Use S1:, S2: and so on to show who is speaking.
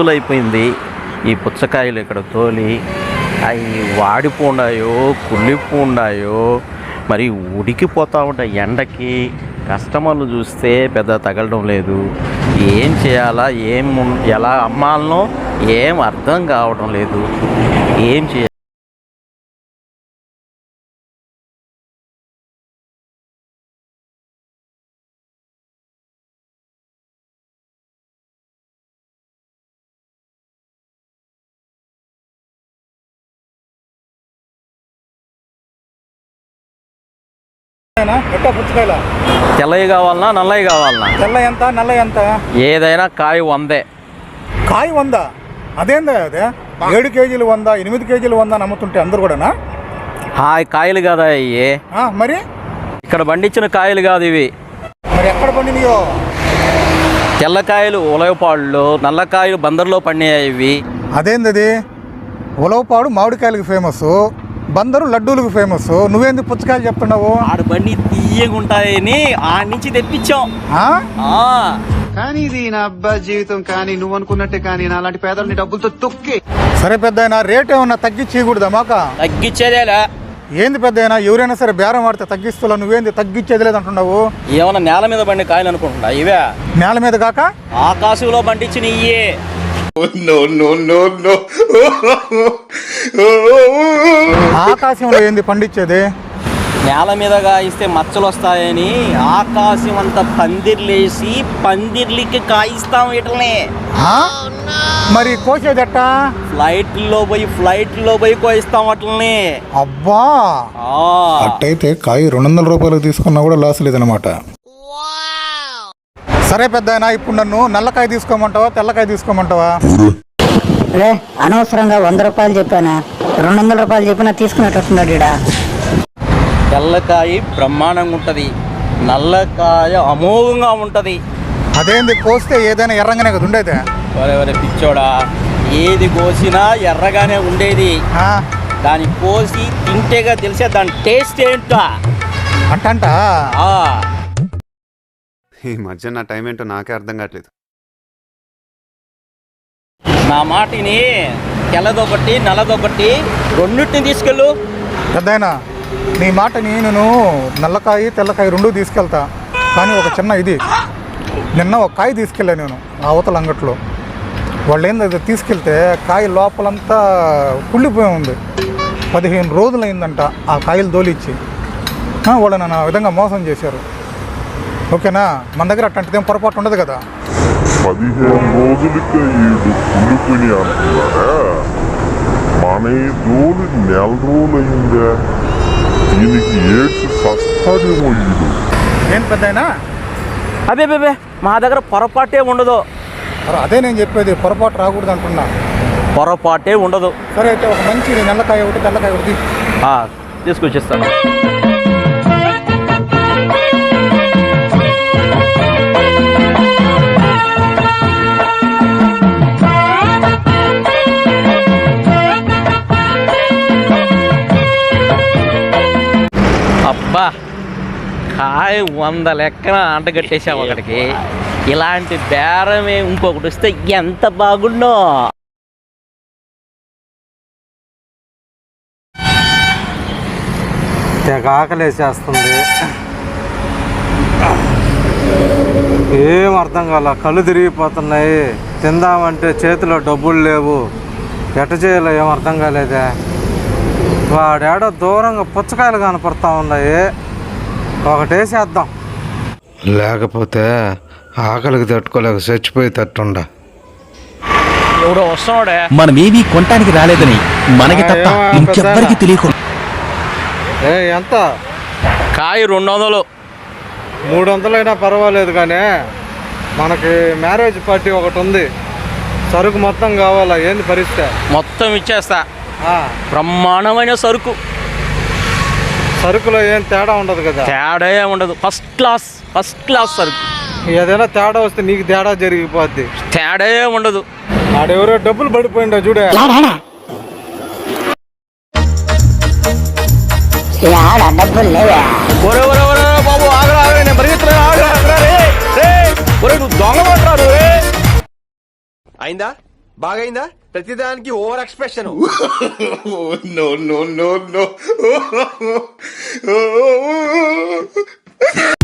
S1: రోజులైపోయింది ఈ పుచ్చకాయలు ఇక్కడ తోలి. అవి వాడిపోండాయో కుళ్ళిపోండాయో మరి ఉడికిపోతూ ఉంటాయి ఎండకి. కస్టమర్లు చూస్తే పెద్ద తగలడం లేదు. ఏం చేయాలా, ఎలా అమ్మాలనో ఏం అర్థం కావడం లేదు. ఏం చేయాలి? తెల్లవి కావాలన్నా నల్లవి కావాలన్నా?
S2: తెల్ల ఎంత, నల్ల ఎంత?
S1: ఏదైనా కాయ 100.
S2: కాయ 100? అదేందా అదే? 7 కేజీలు 100, 8 కేజీలు 100 నమ్ముతుంటే అందరు కూడానా?
S1: కాయలు కదా ఇవి.
S2: మరి
S1: ఇక్కడ పండించిన కాయలు కాదు ఇవి.
S2: మరి ఎక్కడ పండినయో?
S1: తెల్లకాయలు ఉలవపాడులో, నల్లకాయలు బందర్లో పండినాయి ఇవి.
S2: అదేంది? ఉలవపాడు మామిడికాయలకు ఫేమస్, బందరు లడ్డూలకు ఫేమస్. నువ్వేంది పుచ్చకాయలు చెప్తున్నావు?
S1: ఆడ బండి తీయగా ఉంటాయని ఆడి నుంచి తెప్పించాం.
S3: కానీ ఇది నా అబ్బా జీవితం. కానీ నువ్వు అనుకున్నట్టే కానీ నాలాంటి పేదల్ని డబ్బులతో తొక్కి.
S2: సరే పెద్ద రేట్ ఏమన్నా తగ్గించకూడదా? మాక
S1: తగ్గించేదేలా.
S2: ఏంది పెద్ద ఎవరైనా సరే బేరం ఆడితే తగ్గిస్తా, నువ్వేంది తగ్గించేది లేదు అంటున్నావు?
S1: ఏమన్నా నేల మీద బండి కాయలు అనుకుంటున్నా? ఇవే
S2: నేల మీద కాక
S1: ఆకాశంలో పండించిన ఇయ్యే.
S2: ఆకాశంలో ఏంది పండించేది?
S1: నేల మీదగా ఇస్తే మచ్చలు వస్తాయని ఆకాశం అంతా పందిర్లేసి పందిర్లకి కాయిస్తాం వీటిని.
S2: మరి కోసేదట్టా?
S1: ఫ్లైట్లో పోయి కోయిస్తాం వాటిని.
S2: అబ్బా, అట్టయితే కాయ 200 రూపాయలకు తీసుకున్నా కూడా లాస్ లేదనమాట. సరే పెద్ద, ఇప్పుడు నన్ను నల్లకాయ తీసుకోమంటావా, తెల్లకాయ తీసుకోమంటావా?
S4: అనవసరంగా 100 రూపాయలు చెప్పానా? 200 రూపాయలు చెప్పినా తీసుకునేటట్టున్నాడు ఈడ.
S1: తెల్లకాయ బ్రహ్మాండంగా ఉంటుంది, నల్లకాయ అమోఘంగా ఉంటుంది.
S2: అదేంది కోస్తే ఏదైనా ఎర్రంగానే కదా ఉండేది?
S1: వరే పిచ్చోడా, ఏది కోసినా ఎర్రగానే ఉండేది. దాన్ని కోసి తింటేగా తెలిసే దాని టేస్ట్ ఏంటో
S2: అంట.
S3: ఈ మధ్య నా టైం ఏంటో నాకే అర్థం కావట్లేదు.
S1: నా మాటిని తెల్లదొకటి నల్లదొకటి రెండింటిని తీసుకెళ్ళు.
S2: పెద్దయినా నీ మాటని నేను నల్లకాయ తెల్లకాయ 2 తీసుకెళ్తా. కానీ ఒక చిన్న ఇది, నిన్న ఒక కాయ తీసుకెళ్ళా నేను అవతల అంగట్లో. వాళ్ళు ఏంది తీసుకెళ్తే కాయ లోపలంతా కుళ్ళిపోయి ఉంది. 15 రోజులు అయిందంట ఆ కాయలు దోలిచ్చి. వాళ్ళు నన్ను ఆ విధంగా మోసం చేశారు. ఓకేనా? మన దగ్గర అట్లాంటిదేం పొరపాటు ఉండదు కదా.
S5: 15 రోజులకే ఈడు కుళ్ళిపోయి అంటున్నాడా? మన ఈ దోలు 4 రోజులు అయిందా? దీనికి ఏడ్చి సస్తాడేమో ఈడు.
S2: ఏం పెద్దయినా?
S1: అబే మా దగ్గర పొరపాటే ఉండదు.
S2: అదే నేను చెప్పేది, పొరపాటు రాకూడదు అంటున్నా.
S1: పొరపాటే ఉండదు.
S2: సరే అయితే ఒక మంచి నల్లకాయ ఒకటి తెల్లకాయ ఒకటి
S1: తీసుకొచ్చేస్తాను. అబ్బా, కాయ 100 లెక్కన అంటగట్టేసాము ఒకటికి. ఇలాంటి బేరమే ఇంకొకటి వస్తే ఎంత బాగుండో.
S6: తెగ ఆకలేసేస్తుంది. ఏం అర్థం కాల, కళ్ళు తిరిగిపోతున్నాయి. తిందామంటే చేతిలో డబ్బులు లేవు. ఎట్ట చేయాలో ఏం అర్థం కాలేదే. వాడేడో దూరంగా పుచ్చకాయలు కనపడతా ఉన్నాయి. ఒకటేసేద్దాం,
S7: లేకపోతే ఆకలికి తట్టుకోలేక చచ్చిపోయి తట్టుండ.
S1: ఎవడో వస్తున్నాడే.
S8: మనమేమీ కొనటానికి రాలేదని మనకి తప్ప ఇంకెవ్వరికి తెలియకుండా.
S6: ఎంత
S1: కాయ? 200.
S6: 300 అయినా పర్వాలేదు, కానీ మనకి మ్యారేజ్ పార్టీ ఒకటి ఉంది. సరుకు మొత్తం కావాలా? ఏంది పరిస్థితి?
S1: మొత్తం ఇచ్చేస్తా. బ్రహ్మాండమైన సరుకు.
S6: సరుకులో ఏం తేడా ఉండదు కదా?
S1: తేడా ఉండదు. ఫస్ట్ క్లాస్ సరుకు.
S6: ఏదైనా తేడా వస్తే నీకు తేడా జరిగిపోద్ది.
S1: తేడా ఉండదు.
S6: ఆడెవరో డబ్బులు పడిపోయిందా చూడే.
S4: డబ్బులు లేవా?
S1: బాబు ఆగరా, నేను పరిగెత్తున్నా. నువ్వు దొంగ పడరా. అయిందా?
S9: బాగైందా? ప్రతిదానికి ఓవర్ ఎక్స్ప్రెషన్.
S5: నో